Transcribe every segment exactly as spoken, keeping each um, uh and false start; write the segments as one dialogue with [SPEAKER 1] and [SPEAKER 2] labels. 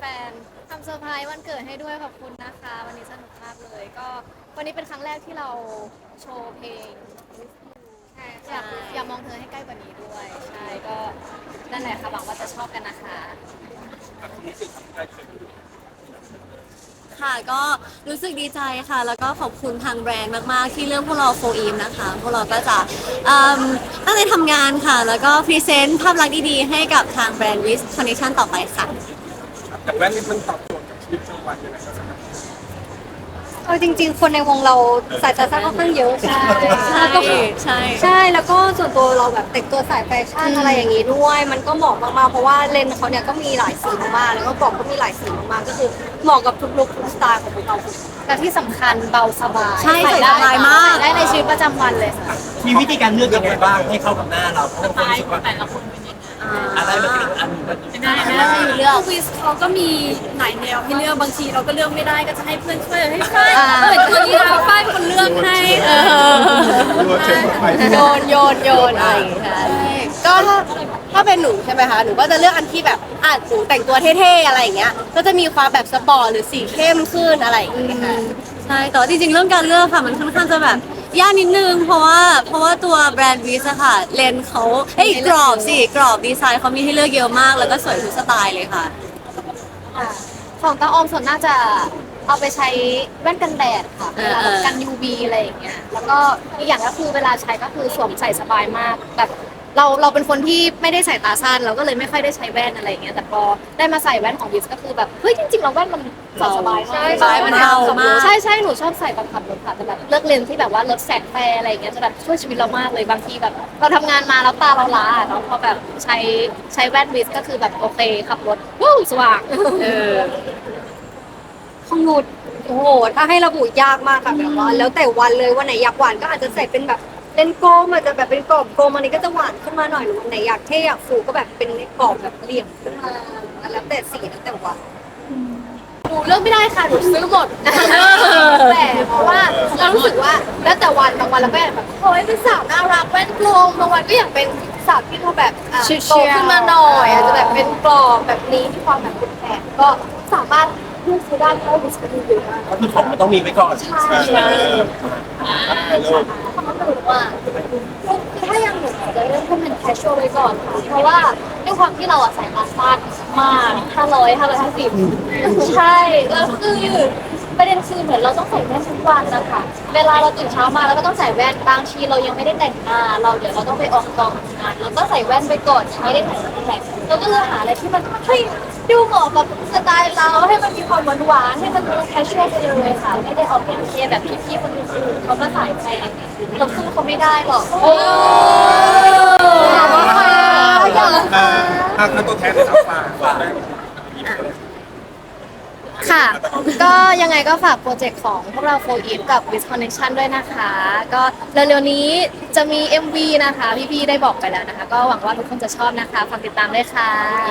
[SPEAKER 1] นๆทำเซอร์ไพรส์วันเกิดให้ด้วยขอบคุณนะคะวันนี้สนุกมากเลยก็วันนี้เป็นครั้งแรกที่เราโชว์เพลงอยากอยากมองเธอให้ใกล้กว่านี้ด้วยใช่ก็นั่นแหละค่ะหวังว่าจะชอบกันนะคะ
[SPEAKER 2] ค่ะก็รู้สึกดีใจค่ะแล้วก็ขอบคุณทางแบรนด์มากๆที่เลือกพวกเราโฟอีมนะคะพวกเราก็จะเอิ่มตั้งใจทำงานค่ะแล้วก็พรีเซนต์ภาพลักษณ์ดีๆให้กับทางแบรนด์วิสคอนเนคชั่นต่อไปค่ะ
[SPEAKER 3] แต่แว่นนี้มันตอบโจทย์กับชีวิตประจำวันยังไงครับ
[SPEAKER 4] เออจริงๆคนในวงเราสายตาสั้นค่อนข้างเยอะใช่
[SPEAKER 2] ใช่ใช่
[SPEAKER 4] ใช่แล้วก็ส่วนตัวเราแบบแต่งตัวสายแฟชั่นอะไรอย่างนี้ด้วย มันก็เหมาะมากๆเพราะว่าเลนส์เขาเนี่ยก็มีหลายสีมากๆแล้วก็กล่องก็มีหลายสีมากๆก็คือเหมาะกับทุกลุคทุกสไตล์ของพวกเรา
[SPEAKER 1] และที่สำคัญเบาสบาย
[SPEAKER 2] ใช่ใส่สบายมาก
[SPEAKER 1] ใส่ได้ในชีวิตประจำวันเลยค่ะ
[SPEAKER 5] มีวิธีการเลือกยังไงบ้างให้เข้ากับหน้าเราเพราะว่าคนรู้สึกว่าอะไรมันเป็นอันนึงมันเป็น
[SPEAKER 1] ได้
[SPEAKER 5] อัน
[SPEAKER 1] นะ
[SPEAKER 5] นึง
[SPEAKER 1] เลือก
[SPEAKER 6] วิสเขาก็มีหลายแนวให้เลือกบางทีเราก็เลือกไม่ได้ก็จะให้เพื่อนช่วยให้ฝ้ายเหมือนตัวนี้เราฝ้ายเป็นคนเลือกให้เออ
[SPEAKER 3] รวมเชิงไป
[SPEAKER 2] โยนโยนโยนอะไรอย่างเงี้ยค่ะก็ถ้าถ้าเป็นหนูใช่ไหมคะหนูก็จะเลือกอันที่แบบอ่ะหนูแต่งตัวเท่ๆอะไรอย่างเงี้ยก็จะมีความแบบสปอร์ตหรือสีเข้มขึ้นอะไรอย่างเงี้ยค่ะใช่แต่ว่าจริงๆเรื่องการเลือกค่ะมันค่อนข้างจะแบบยากนิดนึงเพราะว่าเพราะว่าตัวแบรนด์วิสอะค่ะเลนส์เขาเอ้ยกรอบสิกรอบดีไซน์เขามีให้เลือกเยอะมากแล้วก็สวยทุกสไตล์เลยค่ะ
[SPEAKER 1] ของตาออมส่วนน่าจะเอาไปใช้แว่นกันแดดค่ะ
[SPEAKER 2] เอ
[SPEAKER 1] เว
[SPEAKER 2] อ
[SPEAKER 1] ลา
[SPEAKER 2] เออ
[SPEAKER 1] กัน ยู วี อะไรอย่างเงี้ยแล้วก็อีกอย่างก็คือเวลาใช้ก็คือสวมใส่สบายมากแบบเราเราเป็นคนที่ไม่ได้ใส่ตาสั้นเราก็เลยไม่ค่อยได้ใช้แว่นอะไรอย่างเงี้ยแต่พอได้มาใส่แว่นของวิสก็คือแบบเฮ้ยจริงๆเราแว่นมันใส่สบายมาก
[SPEAKER 2] ใช่มันเบามาก
[SPEAKER 1] ใช่ใช่หนูชอบใส่ตอนขับรถค่ะแต่แบบเลือกเลนส์ที่แบบว่าลดแสงแฟร์อะไรอย่างเงี้ยจะแบบช่วยชีวิตเรามากเลยบางทีแบบเราทำงานมาแล้วตาเราล้าเนาะพอแบบใช้ใช้แว่นวิสก็คือแบบโอเคขับรถวู้สว่าง
[SPEAKER 2] เออ
[SPEAKER 4] ของหนูโอ้โหถ้าให้ระบุยากมากค่ะแบบว่าแล้วแต่วันเลยวันไหนอยากหวานก็อาจจะใส่เป็นแบบเลนส์โกลมอาจจะแบบเป็นกรอบโกลมอันนี้ก็จะหวานขึ้นมาหน่อยหรือวันไหนอยากเท่อยากฟูก็แบบเป็นกรอบแบบเหลี่ยมขึ้นมาแล้วแต่สีแล้วแต่วัน
[SPEAKER 1] หนูเลือกไม่ได้ค่ะ หนูซื้อหมดแต่เพราะว่าเรารู้สึกว่าแล้วแต่วันบางวันเราก็อยากแบบโอ้ยเป็นสาวน่ารักแว่นกลมบางวันก็อยากเป็นสาวที่เขาแบบอ่ะโตขึ้นมาหน่อยอาจจะแบบเป็นกรอบแบบนี้ที่ความแบบเป็นแขนก็สามารถเลือกซื้อได้เพราะว่าดิสคัฟเวอรี่เยอะมาก
[SPEAKER 5] ก็คือของมันต้องมีไว้ก่อน
[SPEAKER 1] ใช่ใช่คำว่าหนูว่าถ้ายังหนูจะเริ่มต้นเป็น casual ไว้ก่อนค่ะเพราะว่าด้วยความที่เราอะใส่ตาสั้นมากห้าร้อยห้าร้อยห้าสิบใช่แล้วคือประเด็นคือเหมือนเราต้องใส่แว่นทุกวันนะคะเวลาเราตื่นเช้ามาเราก็ต้องใส่แว่นบางทีเรายังไม่ได้แต่งหน้าเราเดี๋ยวเราต้องไปออกกองทำงานเราก็ใส่แว่นไปก่อนไม่ได้แต่งหน้าเราก็เลยหาอะไรที่มันเฮ้ยดูเหมาะกับสไตล์เราให้มันมีความหวานหวานๆให้มันดู casual ไปเลยค่ะไม่ได้เอาเป็นเคแบบพี่ๆคนอื่นๆเขามาใส่แพงเราสู้เขาไม่ได้หรอกโอ้อยากค่ะอยากค่ะ
[SPEAKER 3] ถ้าถ้าตัวแทนเลยครับฝากฝากได้
[SPEAKER 1] ค่ะ ก็ยังไงก็ฝากโปรเจกต์ของพวกเราโฟร์อีฟกับ With Connection ด้วยนะคะ ก็เร็วๆนี้จะมี เอ็ม วี นะคะ พี่ๆได้บอกไปแล้วนะคะ ก็หวังว่าทุกคนจะชอบนะคะ ฝากติดตามด้วยค่ะ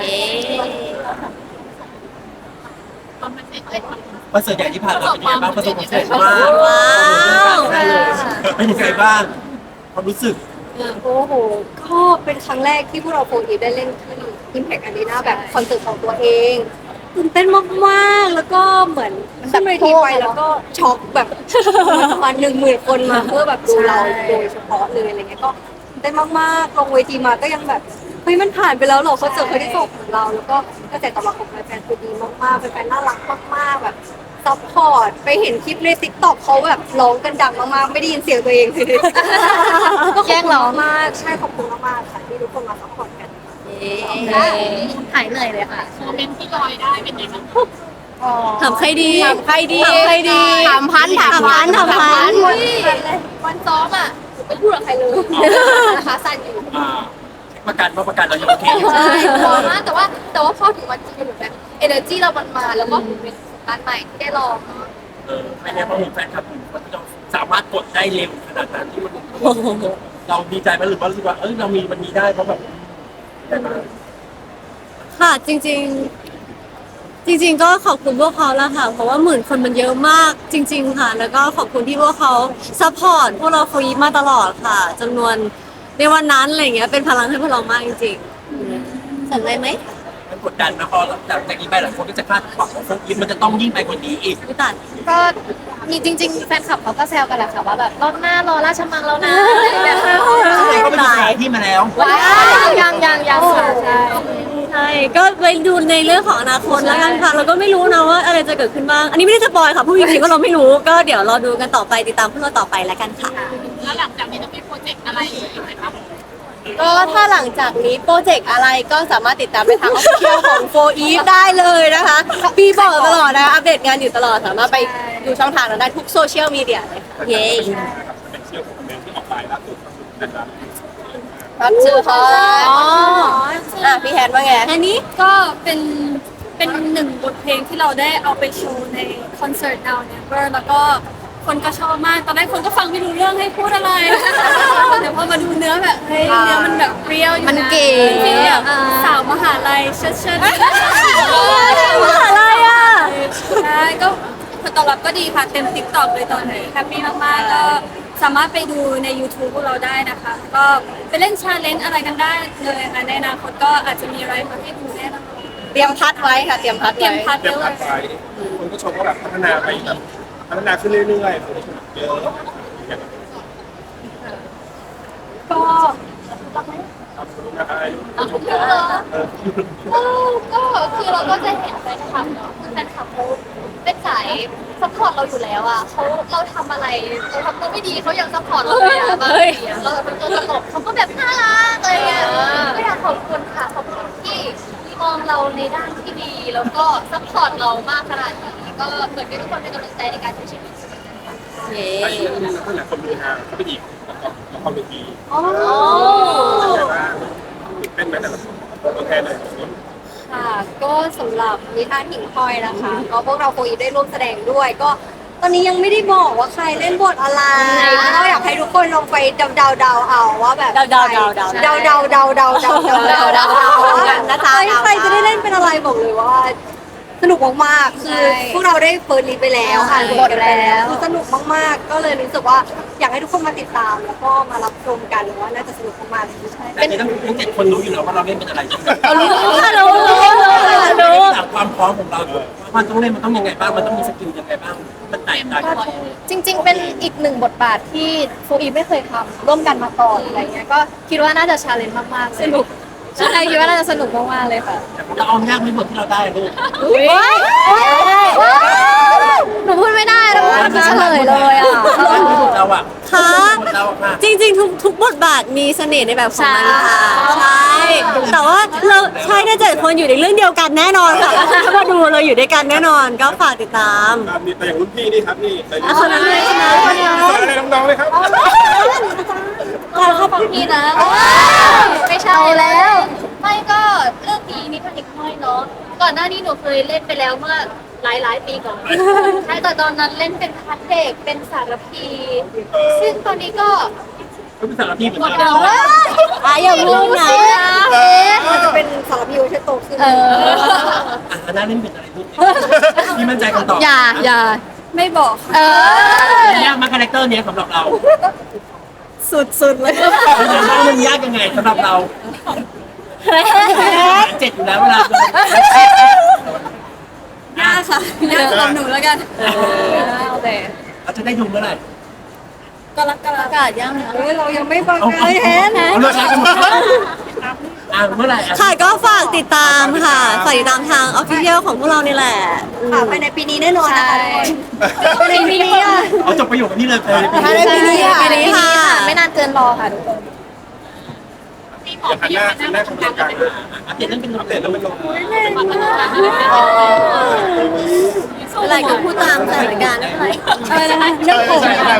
[SPEAKER 5] คอนเสิร์ตใหญ่ที่ผ่านมาเป็นยังไงบ้างประสบความสำเร็จมาก
[SPEAKER 2] ว้าว
[SPEAKER 5] เป็นยังไงบ้างความรู้สึก
[SPEAKER 4] โอ้โห ก็เป็นครั้งแรกที่พวกเราโฟร์อีฟได้เล่นที่ Impact Arena แบบคอนเสิร์ตของตัวเองตื่นเต้นมากๆ แล้วก็เหมือนขึ้นเวทีไปแล้วก็ช็อกแบบประมาณหนึ่งหมื่นคนมาเพื่อแบบดูเราโดยเฉพาะเลยอะไรเงี้ยก็ตื่นเต้นมากๆลงเวทีมาก็ยังแบบเฮ้ยมันผ่านไปแล้วเหรอคอนเสิร์ตครั้งที่สองของเรา แล้วก็กระแสตอบรับของแฟนๆคือดีมากๆแฟนๆน่ารักมากๆแบบซัพพอร์ตไปเห็นคลิปในติ๊กต็อกเขาแบบร้องกันดังมากๆไม่ได้ยินเสียงตัวเองเลยก็ขอบคุณมากๆใช่ขอบคุณมากๆค่ะที่ทุกคนมาซัพพอร์ตกัน
[SPEAKER 1] หายเหนื่อยเลยค่ะ
[SPEAKER 6] โมเมนต์ที่ลอยได้เป็นยังไงบ้าง
[SPEAKER 2] ถามใครดี
[SPEAKER 1] ถามใครดี
[SPEAKER 2] ถามใครดี
[SPEAKER 1] ถามพันถามพัน
[SPEAKER 2] ถามพัน
[SPEAKER 1] วันวันซ้อมอ่ะไม่พูดกับใครเลยนะคะสั่นอยู่
[SPEAKER 5] อ่าประกันว่าประกันเรายังโอเคอยู่
[SPEAKER 1] ใช่กลัวมากแต่ว่าแต่ว่าพอถึงวันจริงเหมือนแบบเอเนอร์จีเรามันมาแล้วก็เป็นประสบการณ์ใหม่ที่ได้ลองเนาะ
[SPEAKER 5] เออไม่แน่เพราะผมแฟนคลับอยู่มันจะสามารถกดได้เร็วขนาดนั้นที่มันเราดีใจไหมหรือว่ารู้สึกว่าเอ้ยเรามีวันนี้ได้เพราะแบบได้มา
[SPEAKER 2] ค่ะจริงๆ จริง ๆ ก็ขอบคุณพวกเขาแล้วค่ะ เพราะว่าหมื่นคนมันเยอะมากจริง ๆ ค่ะ แล้วก็ขอบคุณที่พวกเขาซัพพอร์ตพวกเราฟรีมาตลอดค่ะจำนวนในวันนั้นอะไรเงี้ยเป็นพลังให้พวกเรามากจริงๆสนใจไหม
[SPEAKER 5] มันผกดดันนะพอจากจากนี้ไปหลายคนก็จะคาดหวังว่าโฟกิฟมันจะต้องยิ่งไปกว่านี้อีก
[SPEAKER 2] พี่ตัด
[SPEAKER 1] ก็มีจริง ๆ แฟนคลับเขาก็แซวกันแหละค่ะว่าแบบรอบหน้ารอราชมังแล้วนะอะไรอย่างเงี้ย
[SPEAKER 5] ก็ไปดูสถานที่มาแล้ว
[SPEAKER 1] ว้าวยังยังยังค่ะใช่
[SPEAKER 2] ใช่ก็ไปดูในเรื่องของอนาคตแล้วกันค่ะเราก็ไม่รู้นะว่าอะไรจะเกิดขึ้นบ้าง อันนี้ไม่ได้สปอยค่ะพูดจริงๆก็เราไม่รู้ก็เดี๋ยวรอดูกันต่อไปติดตามพวกเราต่อไปแล้วกันค่ะ
[SPEAKER 6] แล้วหลังจากนี้จะมีโปรเจกต์อะไรอีกไหมครับ
[SPEAKER 2] ก็ถ้าหลังจากนี้โปรเจกต์อะไรก็สามารถติดตามไปทางออฟฟิเชียลของโฟอีฟได้เลยนะคะพี่บอกตลอดนะอัปเดตงานอยู่ตลอดสามารถไปดูช่องทางนั้นได้ทุกโซเชียลมีเดียเลยค่ะเย้
[SPEAKER 3] เป็นเชี่ยวของเมนที่ออกไปล่าสุดนะครับ
[SPEAKER 2] รับชื่อเขาอ๋ออ่ะพี่แฮนว่าไง
[SPEAKER 6] อันนี้ก็เป็นเป็นหนึ่งบทเพลงที่เราได้เอาไปโชว์ในคอนเสิร์ต Now Never แล้วก็คนก็ชอบมาก ตอนแรกคนก็ฟังไม่รู้เรื่องให้พูดอะไร เดี๋ยวพอมาดูเนื้อแบบเฮ้ยเนื้อมันแบบเปรี้ยวอยู่นะ
[SPEAKER 2] มันเก๋
[SPEAKER 6] ฟีลแบบสาวมหาลัยเชิดเชิด
[SPEAKER 2] มหาลัยอ่ะ
[SPEAKER 6] ใช่ก็ผลตอบรับก็ดีค่ะเต็มติ๊กต็อกเลยตอนนี้แฮปปี้มากๆก็สามารถไปดูใน YouTube พวกเราได้นะคะ ก็ไปเล่นชาเลนจ์อะไรกันได้เลยค่ะในอนาคตก็อาจจะมีอะไรมาให้ดูแน่นอน
[SPEAKER 2] เตรียมพัดไว้ค่ะเตรียมพัด
[SPEAKER 6] เตรียม
[SPEAKER 2] ไว้
[SPEAKER 6] พัด
[SPEAKER 3] เตรียม
[SPEAKER 6] ไว้
[SPEAKER 3] พัด
[SPEAKER 6] เลย
[SPEAKER 3] ไว้คนก็ชมว่าแบบพัฒนาไปแบบพัฒนาขึ้นเรื่อยๆคนก็ชมเยอะ
[SPEAKER 1] ก็
[SPEAKER 3] ขอบคุณนะครับชมเยอะเออ
[SPEAKER 1] ก็ก็คือเราก็จะเห็นแฟนคลับเนาะคือแฟนคลับเขาเป็นสายซัพพอร์ตเราอยู่แล้วอ่ะเขาเราทำอะไรเราทำตัวไม่ดีเขายังซัพพอร์ตเราเลยอ่ะบางทีอะเราเป็นตัวตลกเขาก็แบบน่ารักอะไรเงี้ยก็อยากขอบคุณค่ะขอบคุณที่มองเราในด้านที่ดีแล้วก็ซัพพอร์ตเรามากขนาดนี้ก็เหมือนเป็นทุกคนเป็นกำลังใจในการใช้ชีวิต
[SPEAKER 2] เย้
[SPEAKER 3] แต่อีกเรื่องนึงนะคนหลายคนดูฮะเขาไปอีกละครเวที
[SPEAKER 1] อ๋อ
[SPEAKER 3] แต่ว่าตื่นเต้นไหมแต่ละคนตัวแทนเลย
[SPEAKER 4] ค่ะก็สำหรับนิทานหิ่งห้อยนะคะก็พวกเราโฟอีฟได้ร่วมแสดงด้วย ก็ตอนนี้ยังไม่ได้บอกว่าใครเล่นบทอะไรก็อยากให้ทุกคนลองไปเดาเดาเดาๆเอาว่าแบบ
[SPEAKER 2] เดาเดาเดาเดา
[SPEAKER 4] เดาเดาเดาเดาเดาเดาเดาเดาเดาว่า
[SPEAKER 2] นะจ๊ะ
[SPEAKER 4] ใครจะได้เล่นเป็นอะไรบอกเลยว่า สนุกมากๆคือพวกเราได้เปิดรีไปแล้วอ่านบทไปแล้วคือสนุกมากๆ ก็เลยรู้สึกว่าอยากให้ทุกคนมาติดตาม แล้วก็มารับชมกันว่าน่าจะสนุกมากๆใช่
[SPEAKER 5] แต่นี่ต้องทั้งเจ็ดคนรู้อยู่แล้วว่าเราเล่นเป็นอะไรใช่ไหม
[SPEAKER 2] รู้ค่ะรู้รู้รู้
[SPEAKER 5] จากความพร้อมของเรามันต้องเล่นมันต้องยังไงบ้างมันต้องมีสกิลยังไงบ้างมันแตกต่างกัน
[SPEAKER 1] จริง ๆ เป็นอีกหนึ่งบทบาทที่โฟอีไม่เคยทำร่วมกันมาก่อนอะไรเงี้ยก็คิดว่าน่าจะชาเลนจ์มากๆสนุกใช่คิดว่าน่าจะสนุกมากๆเลยค่ะ
[SPEAKER 5] เราเอายากไม่หมดที่เราได้ลูก
[SPEAKER 1] หนูพูดไม่ได้แล้วมันเฉลยเลยอ่ะ
[SPEAKER 5] เราอะ
[SPEAKER 2] ค่ะ
[SPEAKER 5] เราอะ
[SPEAKER 2] จริงๆทุกทุกบทบาทมีเสน่ห์ในแบบของมันค่ะใช่แต่ว่าเราใช่ถ้าเจ็ดคนอยู่ในเรื่องเดียวกันแน่นอนค่ะถ้ามาดูเราอยู่ด้วยกันแน่นอนก็ฝากติดตาม
[SPEAKER 3] มีแต่อย่างรุ่นพี่นี่ครับนี่แต่
[SPEAKER 2] อ่ะคนนั้นเลยคนนั้นคนนั้น
[SPEAKER 3] อะไรน้องๆเลยครับ
[SPEAKER 1] เราเข้าฟังพี่นะไม่ใช่แล้ว ไม่ก็เรื่องนี้นิทานเด็กน้อยเนาะก่อนหน้านี้หนูเคยเล่นไปแล้วเมื่อหลายหลายๆปีก่อนใช่แต่ตอนนั้นเล่นเป็นพัดเด็กเป็นสารพี ซึ่งตอนนี้ก็
[SPEAKER 5] ก็เป็นสารพีเหมือน
[SPEAKER 1] หมด
[SPEAKER 5] กัน
[SPEAKER 1] แล้วว่า
[SPEAKER 2] อ่ะอย่าพูดนะ
[SPEAKER 4] มันจะเป็นสารพิวที่โตขึ้น
[SPEAKER 1] เออ
[SPEAKER 5] อ่ะน่าเล่นเป็นอะไรลูกพี่มั่นใจกันต่อ
[SPEAKER 1] อย่าอย่า
[SPEAKER 6] ไม่บอกค่ะ
[SPEAKER 1] เออ
[SPEAKER 5] ยากมาคาแรคเตอร์นี้สำหรับเรา
[SPEAKER 4] สุดๆเลย
[SPEAKER 5] แล้วมันยากยังไงสำหรับเราเจ็ดอยู่แล้วเวลา
[SPEAKER 6] ยากค่ะยากสำหรับหนูแล้วกัน
[SPEAKER 1] โอเค
[SPEAKER 5] เราจะได้ดูเมื่อไหร่
[SPEAKER 6] ก็รักก็รัก
[SPEAKER 1] อากาศยัง
[SPEAKER 4] เฮ้ยเรายังไม่ฟัง
[SPEAKER 5] เอา
[SPEAKER 4] เล
[SPEAKER 5] เอา
[SPEAKER 4] ยแฮน
[SPEAKER 5] เอาเลิกแล้วกันหมดอ่ะเมื่อไหร่อ่ะ
[SPEAKER 2] ค่ะก็ฝากติดตามค่ะฝากติดตามทางออฟฟิเชียลของพวกเรานี่แหละ
[SPEAKER 4] ค่ะภายในปีนี้แน่นอนนะคะภายในปีนี้อ่ะ
[SPEAKER 5] เอาจบประโยคนี้เลยไป
[SPEAKER 4] ภายในปีนี้ค่ะ
[SPEAKER 2] ปีนี้ค่ะ
[SPEAKER 1] ไม่นานเกินรอค่ะทุกคน
[SPEAKER 3] เดี๋ยวหันหน้าหันหน้าของการ
[SPEAKER 5] อัปเดตเรื่องเป็น
[SPEAKER 3] อัปเดตแล้วมันลง
[SPEAKER 2] อะไรก็พูดตามสถานการณ์ไม่เป็นไร
[SPEAKER 6] อะไรนะคะ
[SPEAKER 3] เรื่องผมใช่ใช่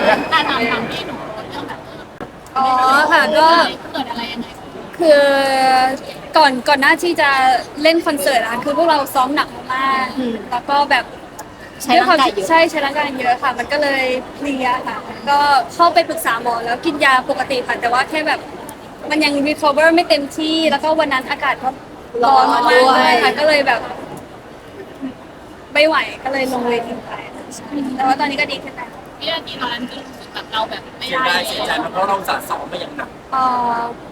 [SPEAKER 6] อ๋อค่ะก็คือก่อนก่อนหน้าที่จะเล่นคอนเสิร์ตอะคือพวกเราซ้อมหนักมากแล้วก็แบบ
[SPEAKER 1] ใช้ร่างกายเยอะ
[SPEAKER 6] ใช่ใช้ร่างกายเยอะค่ะ มันก็เลยเพลียค่ะ ก็เข้าไปปรึกษาหมอแล้วกินยาปกติค่ะแต่ว่าแค่แบบมันยัง recover ไม่เต็มที่แล้วก็วันนั้นอากาศก็ร้อนมากๆด้วยค่ะก็เลยแบบ ไม่ไหวก็เลยลงเวทีไปใช่แต่ว่าตอนนี้ก็ดีขึ้นแล้ว
[SPEAKER 5] เสียดายเสียใจเพราะเราสะสมมาอย่างหนัก
[SPEAKER 6] เอ่อ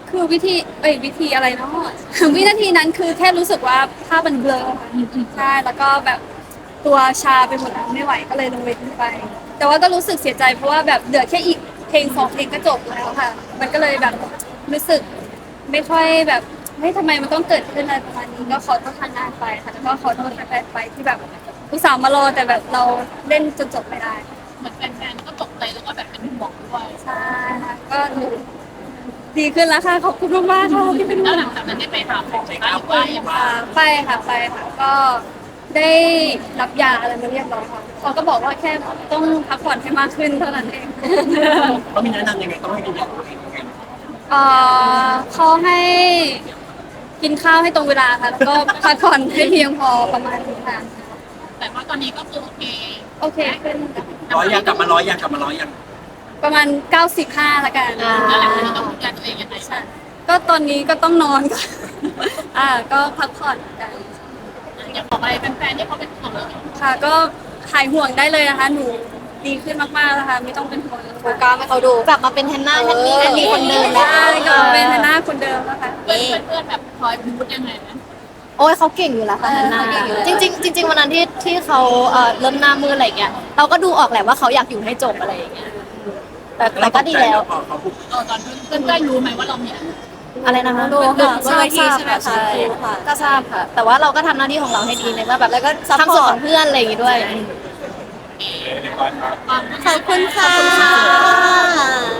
[SPEAKER 6] คือวิธีเอ้ยวิธีอะไรเนาะ วินาทีนั้นคือแค่รู้สึกว่าภาพมันเบลอค่ะใช่แล้วก็แบบตัวชาไปหมดแล้วไม่ไหวก็เลยลงเวทีไป แต่ว่าก็รู้สึกเสียใจเพราะว่าแบบเหลือแค่อีกเพลงสองเพลงก็จบแล้วค่ะ มันก็เลยแบบรู้สึกไม่ค่อยแบบเฮ้ยทำไมมันต้องเกิดขึ้นอะไรประมาณนี้ก็ขอโทษทางงานไปค่ะแล้วก็ขอโทษแฟนๆไปที่แบบอุตส่าห์มารอแต่แบบเราเล่นจนจบไม่ได้
[SPEAKER 1] เหมือนแฟนๆก็ตกใจแล้วก็แบบเป็นห่วงด้วย
[SPEAKER 6] ใช่ค่ะก็ดีขึ้นแล้วค่ะขอบคุณมากๆค่ะที่เป็นห่
[SPEAKER 1] แล้ว
[SPEAKER 6] ว
[SPEAKER 1] ห
[SPEAKER 6] ง
[SPEAKER 1] ลังจากนั้นได้ไปหาหมอ
[SPEAKER 5] ใช้
[SPEAKER 1] บ้า
[SPEAKER 5] ก้าง ว
[SPEAKER 1] หรือ
[SPEAKER 5] ไป
[SPEAKER 1] ว่ายัง
[SPEAKER 5] ว่า
[SPEAKER 6] ไปค่ะไปค่ะก็ได้รับยาอะไรมาเรียบร้อยค่ะเขาก็บอกว่าแค่ต้องพักผ่อนให้มากขึ้นเท่านั้นเอง
[SPEAKER 5] เขามีแนะนำยังไงต้องให้กินอย่างไรยังไง
[SPEAKER 6] เอ่อเขาให้กินข้าวให้ตรงเวลาค่ะ แล้วก็พักผ่อนให้เพียงพอประมาณนี้ค่ะ
[SPEAKER 1] แต่ว่าตอนนี้ก็คือโอเค
[SPEAKER 6] โอเคขึ้น
[SPEAKER 5] ร้อยยังกลับมาร้อยยังกลับมาร้อยยัง
[SPEAKER 6] ประมาณเก้าสิบห้าละกัน
[SPEAKER 1] แล้วหลังจากนี้ต้องดูแลตัวเองยังไงบ้าง
[SPEAKER 6] ก็ตอนนี้ก็ต้องนอนก่อน อ่าก็พักผ่อนกัน
[SPEAKER 1] อยากบอกอะไรแฟนๆที่เขาเป็นห่วงเรา
[SPEAKER 6] ค่ะก็หายห่วงได้เลยนะคะ หนูดีขึ้นมากๆแล้วค่ะไม่ต้องเป็นห่วง
[SPEAKER 4] โฟกัสให้เขาดู
[SPEAKER 2] กลับมาเป็นแฮนนาแฮนนี่แฮนนี่คนเดิมแล้ว
[SPEAKER 6] ใช่ก็เป็นหน้าคนเดิมแล้วค่ะ
[SPEAKER 1] เพื่อนๆเพื่อนๆแบบคอยพูดยังไงนะ
[SPEAKER 2] โอ้ยเขาเก่งอยู่แล้วค่ะแฮนนาจริงๆจริงๆวันนั้นที่ที่เขาเอ่อเริ่มหน้ามืดอะไรอย่างเงี้ยเราก็ดูออกแหละว่าเขาอยากอยู่ให้จบอะไรอย่างเงี้ยแต่แต่ก็ดีแล้ว
[SPEAKER 5] พอเขาพูด
[SPEAKER 1] เออตอนเพื่อนๆรู้ไหมว่าเรามีอะไร
[SPEAKER 2] อะไรนะคะ
[SPEAKER 4] รู้ค่ะ
[SPEAKER 2] ทราบ
[SPEAKER 4] เวที
[SPEAKER 2] ทราบ
[SPEAKER 4] ใช่ไหม
[SPEAKER 2] ค่ะ
[SPEAKER 4] คะ
[SPEAKER 2] ใช่
[SPEAKER 4] รู้ค่ะ
[SPEAKER 2] ก็ทราบค่ะ แต่ว่าเราก็ทำหน้าที่ของเราให้ดีในเมื่อแบบ
[SPEAKER 4] แล้วก็
[SPEAKER 2] ทำส่วนของเพื่อนอะไรอย่างงี้ด้วย
[SPEAKER 3] เรียบร้อยครับ
[SPEAKER 1] ความ
[SPEAKER 2] ขอบคุณค่ะ